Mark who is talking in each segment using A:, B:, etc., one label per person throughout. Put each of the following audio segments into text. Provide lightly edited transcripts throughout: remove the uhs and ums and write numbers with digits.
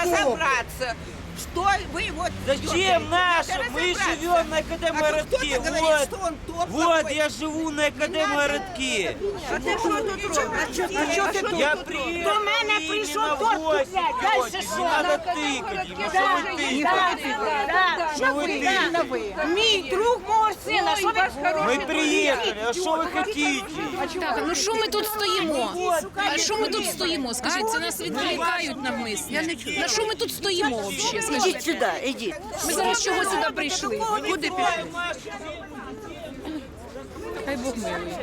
A: разобраться. Что вы вот...
B: Зачем нашим? Мы живем на Академгородке. Вот я живу на Академгородке.
A: А ты что тут робишь?
B: Я приехал
C: До мене прийшов торт
B: гости.
C: куплять. Дальше що?
B: Не надо тыкать. Ну что вы тыкаете? Что вы тыкаете?
C: Мій друг мого сина, що ви
B: Мы приехали, а что вы хотите?
D: Так, ну що ми тут стоїмо? А що ми тут стоїмо? Скажіть, це нас відволікають навмисно. На що ми тут стоїмо взагалі?
C: Ідіть сюди, ідіть.
D: Ми зараз чого сюди прийшли? Куди пішли? Хай Бог милує.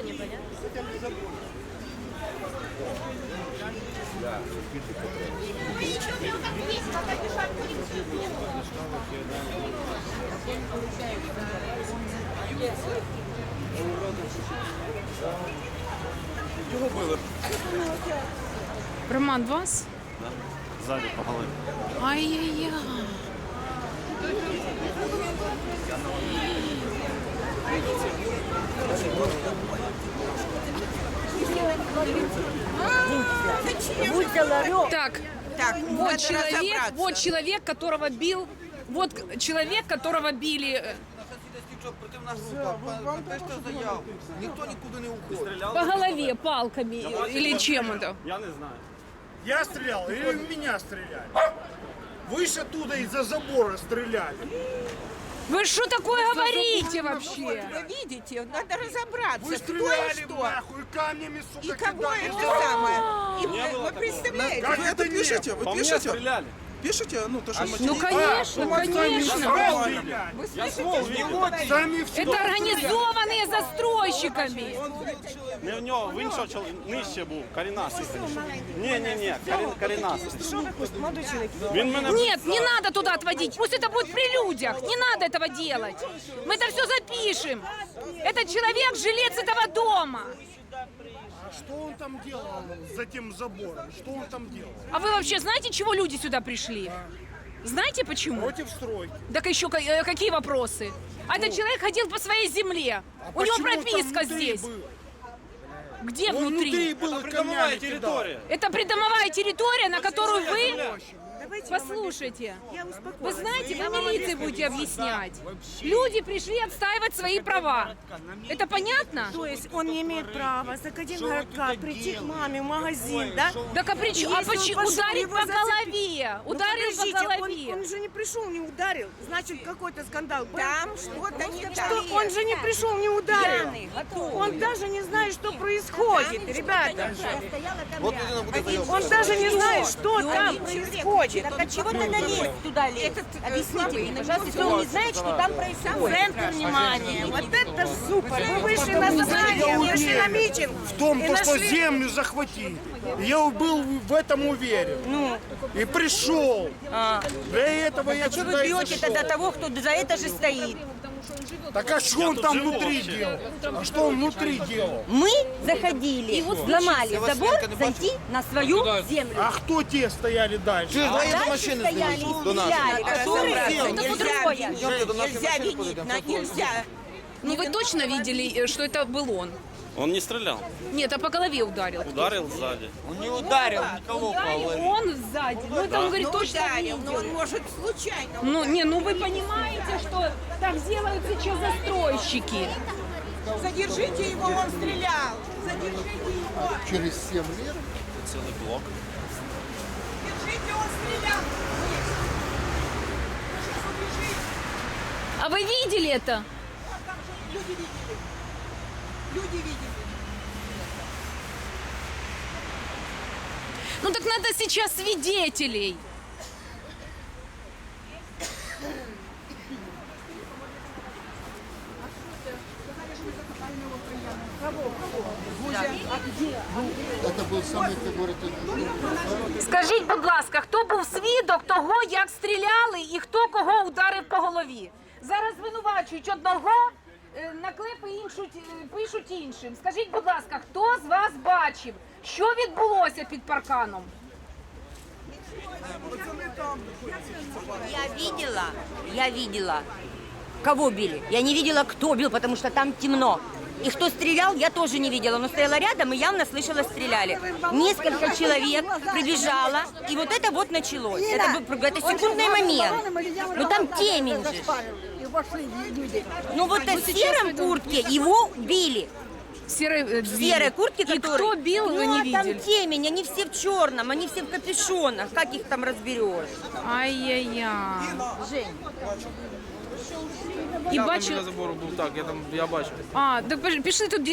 D: Роман, вас?
E: Сзади по голове.
D: Ай-яй-яй.
C: Будьте ларек.
D: Так,
A: Так,
D: вот
A: надо
D: человек, которого бил, вот человек, которого били
F: Противна група, напишіть заяву. Ніхто нікуди не уходить.
D: по голове палками или чем-то.
E: Я не знаю.
G: Я стрелял или в меня стреляли? Вы же оттуда из-за забора стреляли.
D: Вы что такое говорите вообще?
A: Вы видите, надо разобраться,
G: Вы
A: кто и
G: стреляли
A: что.
G: нахуй камнями,
A: И
G: сука,
A: кого
G: кидали.
A: это самое. И вы представляете?
G: Как
F: Вы
G: это
F: это
G: нет?
F: пишете?
E: По
F: Вы
E: мне
F: пишете?
E: стреляли.
F: Пишете? Ну, то, что
D: Ну конечно, конечно.
G: Стреляли.
A: Вы
E: Я
A: слышите,
E: ствол
A: что
E: видел.
A: говорите?
G: Сами все.
D: Это организованные застройщиками.
E: Не в нього, він що, нижче був, корінасий. Ні, корінасий. Він мене...
D: Нет, не надо туда отводить. Пусть это будет при людях. Не надо этого делать. Мы это все запишем. Этот человек жилец этого дома.
G: А что он там делал за тем забором? Что он там делал?
D: А вы вообще знаете, чего люди сюда пришли? Знаете почему?
G: Против стройки.
D: Так еще какие вопросы? А этот человек ходил по своей земле. У него
G: Почему он там
D: прописка
G: внутри
D: здесь.
G: был?
D: Где
G: Он внутри
D: внутри?
G: был и
E: Придомовая
G: камнями кидал.
E: територія.
D: Это придомовая территория, на которую вы... Послушайте, вы знаете, вы милиции будете объяснять. Люди пришли отстаивать свои права. Это понятно?
C: То есть он не имеет права с Академгородка прийти к маме в магазин, да?
D: Так а почему?
C: Если он пошел,
D: Ударить
C: его
D: по
C: зацепить.
D: голове.
C: Ну,
D: Ударить по
C: подождите,
D: голове.
C: Он же не пришел, не ударил. Значит, какой-то скандал был.
A: Там что-то не так.
C: Что он же не пришел, не ударил.
A: Пьяный, готовый.
C: Он даже не знает, что происходит, ребята.
F: Вот людина буде заяву.
C: Он даже не знает, что там происходит.
A: Так от чего ты налез туда лез? Объясните мне, пожалуйста,
C: Если он не знает, что там происходит. Центр внимания. Вот это супер. Мы вышли на собрание, вышли на митинг.
G: В том,
C: И
G: то, что
C: нашли-
G: землю захватить. Я был в этом уверен.
C: Ну,
G: И пришел. Для этого я
A: Что
G: сюда
A: вы
G: и
A: бьете
G: зашел.
A: тогда того, кто за это же стоит?
G: Так а что он
E: тут
G: там
E: живу
G: внутри
E: вообще.
G: делал? А что он внутри делал?
H: Мы заходили, взломали забор, зайти на свою землю.
G: А кто те стояли дальше?
F: Чуєш, давай до
H: Дальше
F: машини
H: стояли,
F: знизу, до нас.
H: стреляли, которые...
A: Разобраться
H: Это
A: нельзя
H: другое.
A: видеть,
F: до нашей
A: нельзя
F: машины
A: видеть,
F: подойдем,
A: нельзя.
D: Ну вы точно видели, что это был он?
E: Он не стрелял.
D: Нет, а по голове ударил.
E: Ударил сзади.
B: Он не ударил никого по голове.
D: Он сзади. Ну это он говорит,
A: Ну,
D: точно
A: ударил, но он
D: видел.
A: может случайно.
D: Ну, не, ну вы понимаете, что так делают сейчас застройщики.
A: Задержите его, он стрелял. Задержите его.
F: Через 7 лет.
E: Цілий блок.
A: Держите, он стрелял.
D: А вы видели это?
A: Там же люди видели. Люди видели.
D: Ну так надо сейчас свидетелей.
F: Это был самый, как говорят,
D: Скажіть, будь ласка, хто був свідок того, як стріляли і хто кого ударив по голові? Зараз звинувачують одного, наклепи пишуть іншим. Скажіть, будь ласка, хто з вас бачив, що відбулося під парканом?
H: Я видела, кого били. Я не видела, кто бил, потому что там темно. И кто стрелял, я тоже не видела, но стояла рядом и явно слышала, стреляли. Несколько человек прибежало, и вот это вот началось. Это секундный момент. Ну там темень же. Ну вот в сером куртке его били.
D: В серой,
H: В серой куртке,
D: И
H: который...
D: кто бил, вы
H: Ну,
D: не
H: а там
D: видели?
H: темень, они все в черном, они все в капюшонах. Как их там разберешь?
D: Ай-яй-яй. І
I: Я
D: бачу,
I: біля забору був, так, я бачив.
D: так пішли тут